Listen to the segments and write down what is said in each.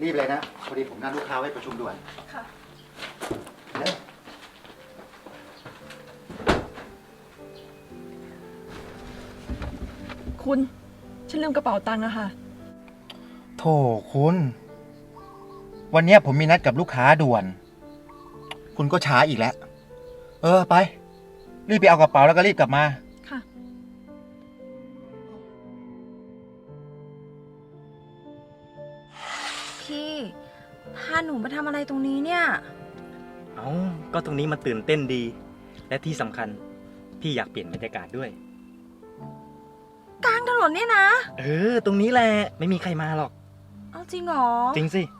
รีบเลยนะพอดีผมนัดลูกค้าไว้ประชุมด่วนค่ะคุณฉันลืมกระเป๋าตังค์อะค่ะโถคุณวันนี้ผมมีนัดกับลูกค้าด่วนคุณก็ช้าอีกแล้วไปรีบไปเอากระเป๋าแล้วก็รีบกลับมาค่ะพี่พาหนูมาทำอะไรตรงนี้เนี่ยก็ตรงนี้มันตื่นเต้นดี และที่สำคัญพี่อยากเปลี่ยนบรรยากาศด้วยกลางถนนเนี่ยนะตรงนี้แหละไม่มีใครมาหรอกเอาจริงเหรอจริงสิ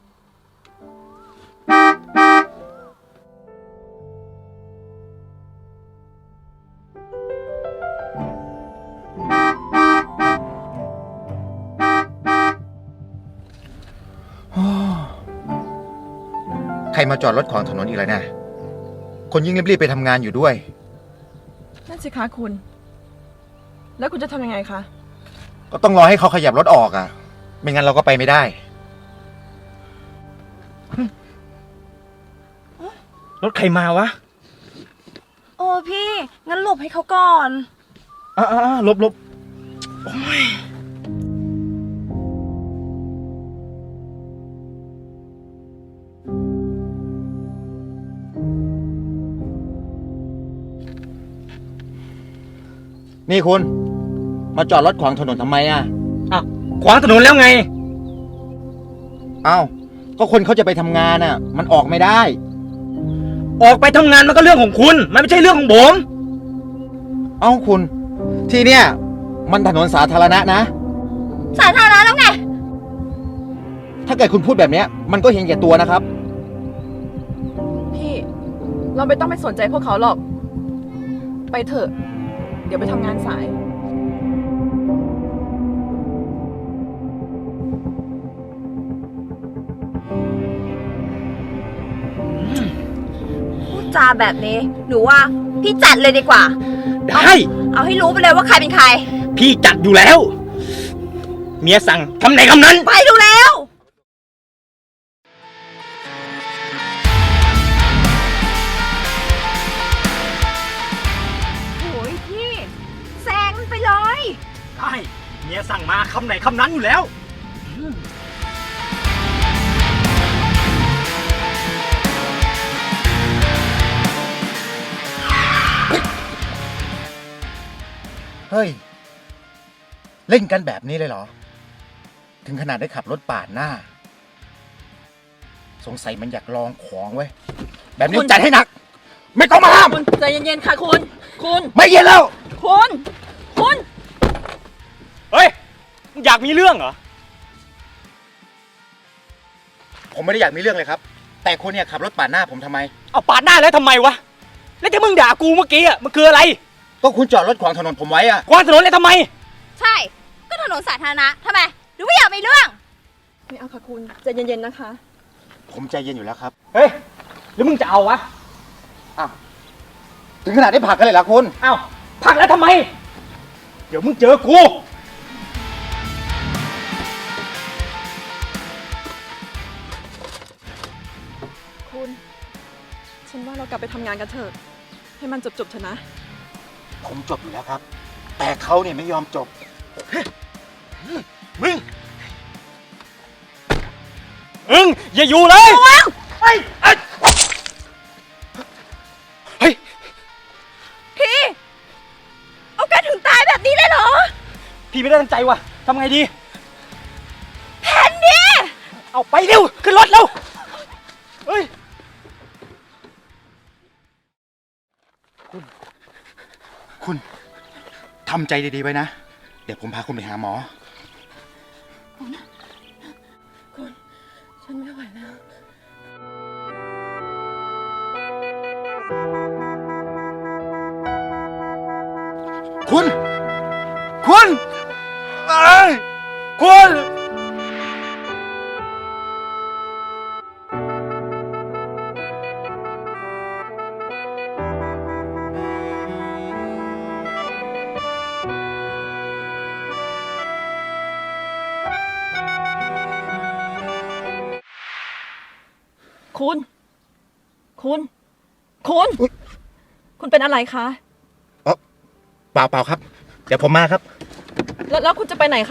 ใครมาจอดรถขวางถนนอีกแล้วนะคนยิ่งรีบๆไปทำงานอยู่ด้วยนั่นสิคะคุณแล้วคุณจะทำยังไงคะก็ต้องรอให้เขาขยับรถออกไม่งั้นเราก็ไปไม่ได้รถใครมาวะโอ้พี่งั้นหลบให้เขาก่อนหลบโอ้ยนี่คุณมาจอดรถขวางถนนทำไมขวางถนนแล้วไงก็คนเขาจะไปทำงานมันออกไม่ได้ออกไปทำงานมันก็เรื่องของคุณมันไม่ใช่เรื่องของผมคุณที่เนี่ยมันถนนสาธารณะนะสาธารณะแล้วไงถ้าเกิดคุณพูดแบบนี้มันก็เห็นแก่ตัวนะครับพี่เราไม่ต้องไปสนใจพวกเขาหรอกไปเถอะเดี๋ยวไปทำงานสายพูดจาแบบนี้หนูว่าพี่จัดเลยดีกว่าได้เอาให้รู้ไปเลยว่าใครเป็นใครพี่จัดอยู่แล้วเมียสั่งคำไหนคำนั้นไปดูแล้วโอ้ยพี่แซงมันไปเลยได้เมียสั่งมาคำไหนคำนั้นอยู่แล้วเฮ้ยเล่นกันแบบนี้เลยเหรอถึงขนาดได้ขับรถปาดหน้าสงสัยมันอยากลองของเว้ยแบบนี้จัดให้หนักไม่ต้องมาห้ามคุณใจเย็นๆค่ะคุณไม่เย็นแล้วคุณเฮ้ยอยากมีเรื่องเหรอผมไม่ได้อยากมีเรื่องเลยครับแต่คนเนี่ยขับรถปาดหน้าผมทำไมเอาปาดหน้าแล้วทำไมวะแล้วที่มึงด่ากูเมื่อกี้มันคืออะไรก็คุณจอดรถขวางถนนผมไว้ขวางถนนเลยทำไมใช่ก็ถนนสาธารณะทำไมหรือไม่อยากมีเรื่องไม่เอาค่ะคุณใจเย็นๆนะคะผมใจเย็นอยู่แล้วครับเฮ้ยหรือมึงจะเอาวะถึงขนาดได้ผลักกันเลยเหรอคุณผลักแล้วทำไมเดี๋ยวมึงเจอกูคุณฉันว่าเรากลับไปทำงานกันเถอะให้มันจบเถอะนะผมจบอยู่แล้วครับแต่เขาเนี่ยไม่ยอมจบมึงอย่าอยู่เลยเฮ้ยพี่เอากันถึงตายแบบนี้เลยเหรอพี่ไม่ได้ตั้งใจว่ะทำไงดีแผ่นดิเอาไปเร็วขึ้นรถเร็วเฮ้ยคุณทำใจดีๆไว้นะเดี๋ยวผมพาคุณไปหาหมอคุณฉันไม่ไหวแล้วคุณคุณ คุณ คุณ คุณเป็นอะไรคะเปล่าครับ เดี๋ยวผมมาครับแล้วคุณจะไปไหนคะ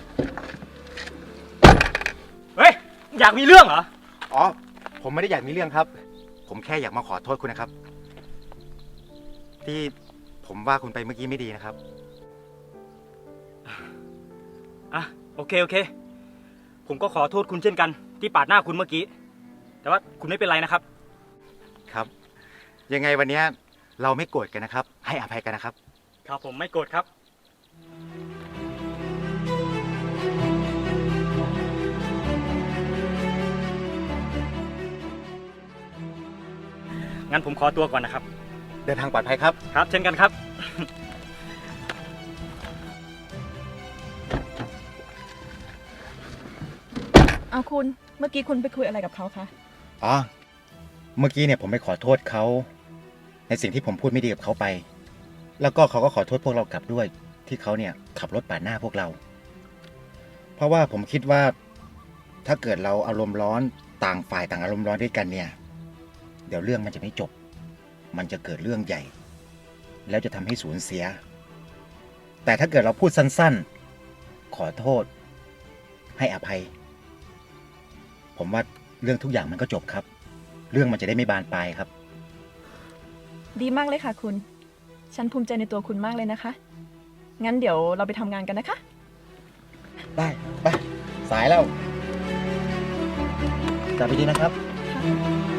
เฮ้ย อยากมีเรื่องเหรออ๋อ ผมไม่ได้อยากมีเรื่องครับ ผมแค่อยากมาขอโทษคุณนะครับ ที่ผมว่าคุณไปเมื่อกี้ไม่ดีนะครับอ่ะ โอเค ผมก็ขอโทษคุณเช่นกัน ที่ปาดหน้าคุณเมื่อกี้ แต่ว่าคุณไม่เป็นไรนะครับครับ ยังไงวันเนี้ยเราไม่โกรธกันนะครับ ให้อภัยกันนะครับครับผมไม่โกรธครับ งั้นผมขอตัวก่อนนะครับเดินทางปลอดภัยครับครับ เช่นกันครับเอาคุณ เมื่อกี้คุณไปคุยอะไรกับเขาคะอ๋อ เมื่อกี้เนี่ยผมไปขอโทษเขาในสิ่งที่ผมพูดไม่ดีกับเขาไป แล้วก็เขาก็ขอโทษพวกเรากลับด้วย ที่เขาเนี่ยขับรถปาดหน้าพวกเรา เพราะว่าผมคิดว่าถ้าเกิดเราอารมณ์ร้อนต่างฝ่ายต่างอารมณ์ร้อนด้วยกันเนี่ย เดี๋ยวเรื่องมันจะไม่จบ มันจะเกิดเรื่องใหญ่ แล้วจะทำให้สูญเสีย แต่ถ้าเกิดเราพูดสั้นๆ ขอโทษ ให้อภัย ผมว่าเรื่องทุกอย่างมันก็จบครับ เรื่องมันจะได้ไม่บานปลายครับดีมากเลยค่ะคุณ ฉันภูมิใจในตัวคุณมากเลยนะคะ งั้นเดี๋ยวเราไปทำงานกันนะคะได้ไปสายแล้วกลับไปดีนะครับค่ะ